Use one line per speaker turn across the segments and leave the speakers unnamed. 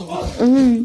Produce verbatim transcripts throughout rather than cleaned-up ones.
ษ
เอ้ย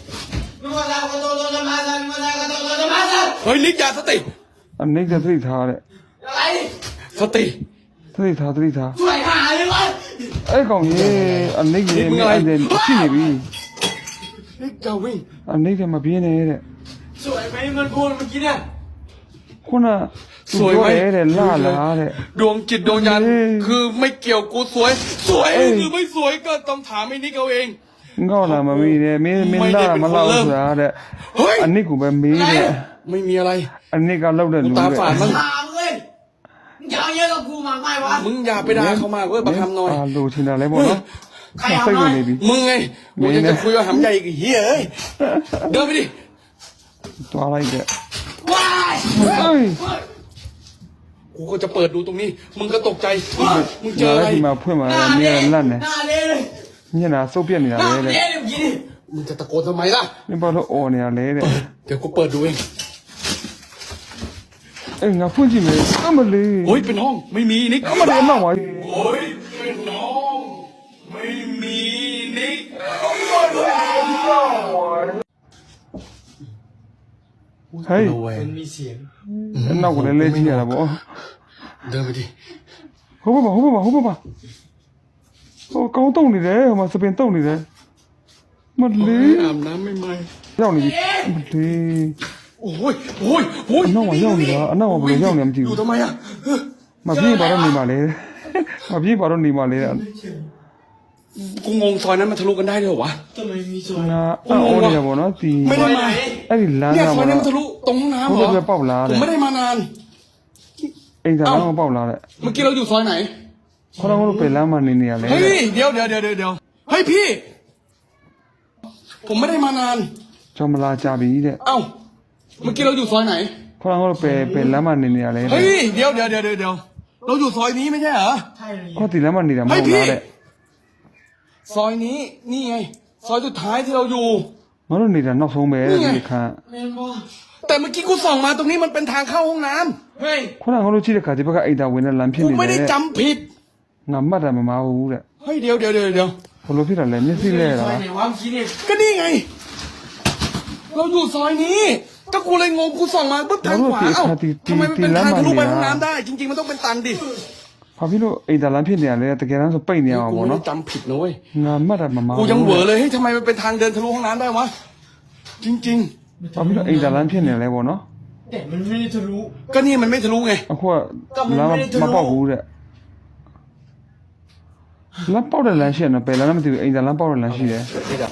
เฮ้ยนิกยาสติ
อันนี้จะตีท้าเลย
อะไร
สติ
ตีท้าตีท้า
ช่วยหาเลยวะ
ไอ้ของนี้อันนี้ยังไม่อันเด่นที่ไหนบี
นิกอย่าวิ่ง
อันนี้จะมาพี่เนี่ยเนี่ย
สวยไหมเงินพูดเมื่อกี้เนี่ย
คุณอะเนี่ยล่าล้าเนี่ย
ดวงจิตดวงญาณ
เฮ้ย
คือไม่เกี่ยวกูสวย สวย
เอ้ย
หรือไม่สวยก็ต้องถามไอ้นิกเอาเอง
ก็ละมามีเนี่ยมีมีล่ามาเล่าสุดาเนี่ย
เฮ้ย
อันนี้กูเป็นมีเนี่ย
ไม่มีอะไร
อันนี้ก็เล่าเดิน
กู
รู้
ตา
เลย
ฝาดมั้ง
ถามเลยมึงจะเอาเยอะกับกูมากไหมวะ
มึงอย่าไปด่าเขามากเว้ยบักคำหน่อย
อ่าดูทีนั้นเลยหมดเนาะ
ใคร
มา
เอา
ใส่
หน่
ดู
อย
เลยบี
มึงไงกูจะจะคุยว่าหำใหญ่อีกเฮียเอ้ยเดินไปดิ
ตัวอะไรเนี่ย
ว้าย
เอ้ย
กูก็จะเปิดดูตรงนี้ มึงก็ตกใจมึงเจอ
มา
อะไร
ที่มาเพื่อนมา
หน้า
เนี่
เละ
ยลั่นเนี่ย
หน้าเละเลย
เนี่ยนะโซเปียนเนี่ย
หน้า
เลย
เละเลยเมื่อกี้นี่
มึงจะตะโกนทำไมล่ะ
นี่บอกว่าโอเนี่ยเลยเนี่ย
เดี๋ยวกูเปิดดูเอง
เอ้ยงาพูดจริงเลยเอามาเลย
โอ้ยเป็นห้องไม่มีนิก
เอามาเลยน้องวะ
โอ้ยเป็นห้องไม่มีนิก
เฮ้ย
มันมีเสียง
น้องกูเลยเล่นที่อะไรบ่
เดินไปดิ
ဟုတ်ပါပါဟုတ်ပါပါဟုတ်ပါပါဟိုကောင်းတုံနေတယ်ဟိုမှာစပင်တုံနေတယ်မလေး
อาบน้ำไม่ไหม
ရောက်နေပြီမလေး
โอ้ยโอ้ยโอ้ย
အနောက်မှာရောက်နေတာအနောက်မှာဘယ်လိုရောက်နေမသိ
อยู่
ဘူး
ทำไมอ่ะ
မပြေးပါတော့နေပါလေမပြေးပါတော့နေပါလေ
กูงงซอยนั้นมันทะลุกันได้ด้วยเหรอวะ
ทำไมมีซอย
ငါအော်နေရပါတော့ဒီ
ไม่ได้มา
အဲ့ဒီလမ်း
เนี่ย
က
ซอ
မှာ
ยนั้นมันทะลุตรงห้องน้ำเหร
ဘု
อ
ရားပဲပေါက်လာ
ผ
တယ်
มไม่ได้มานาน
အိမ်သာလမ်းကပေါက်လာတယ်
เมื่อกี้เราอยู่ซอยไหน
ခေါင်းကတော့ပဲလမ်းမှာနေနေရလေ
เฮ้ยเดี๋ยวเดี๋ยวเดี๋ยวเดี๋ยวเฮ้ยพี่ ผมไม่ได้มานาน
ကျော်မလာကြပြီတဲ့
เอ้าเมื่อกี้เราอยู่ซอยไหน
ခေါင်းကတော့ပဲပဲလမ်းမှာနေနေရလေ
เฮ้ยเดี๋ยวเดี๋ยวเดี๋ยวเดี๋ยวเราอยู่ซอยนี้ไม่ใช่เหรอ
ใช่เลย
ခေါင်းဒီလမ်းမှာနေတာမဟုတ်လားတဲ့
ซอยนี้นี่ไง ซอยสุดท้ายที่เราอยู่
ငါတို့နေတာနောက်ဆုံးပဲတဲ့ဒီခန်း
แม่นบ่
แต่เมื่อกี้กูส่องมาตรงนี้มันเป็นทางเข้าห้องน้ำ
เฮ้ย
ခုနကငါတို့ကြည့်တဲ့ခါဒီဘက်ကအိမ်သာဝင်တဲ့လမ်းဖြစ်
กู
နေ
ไม่
တ
ได้
ယ်တဲ့
จำผิด
ငါမှတ်တာမမဟုတ်တဲ့
เฮ้ยเดี๋ยวเดี๋ยวเดี๋ยวเดี๋ยว
ဘလို့ဖြစ်တာလဲမျက်စိလဲ
ซ
တာ
อยไหนวะเมื่อกี้นี่
ก็นี่ไง เราอยู่ซอยนี้ก็กูเลยงงกูส่องมาปุ๊บทางขวาเอ้าทำไมมันเป็นทางทะลุไปห้องน้ำได้ จริง ๆมันต้องเป็นตันดิ
ဘာဖြစ်လို့အိမ်သာလမ်းဖြစ်နေရလဲတကယ်တမ်းဆိုပိတ်နေရအောင်
กู
ပေါ့
ไม่ได้
နော်
จำผิดนะเว้ย
ငါမှတ်တာမမ
กูยังเหวอเลยเฮ้ยทำไมมันเป็นทางเดินทะลุห้องน้ำได้วะจริง
ဘာဖြစ်လို့အိမ်သာလမ်းဖြစ်နေလဲပေါ့နော်
แต่มันไม่ได้ทะลุ
ๆ ก็นี่มันไม่ทะลุไง
အခုကလမ်းမပေါက်ဘူးတဲ့လမ်းပေါက်တဲ့လမ်းရှိရနော်ပဲလမ်းမသိဘူးအိမ်သာလမ်းပေါက်တဲ့လမ်းရှိတယ်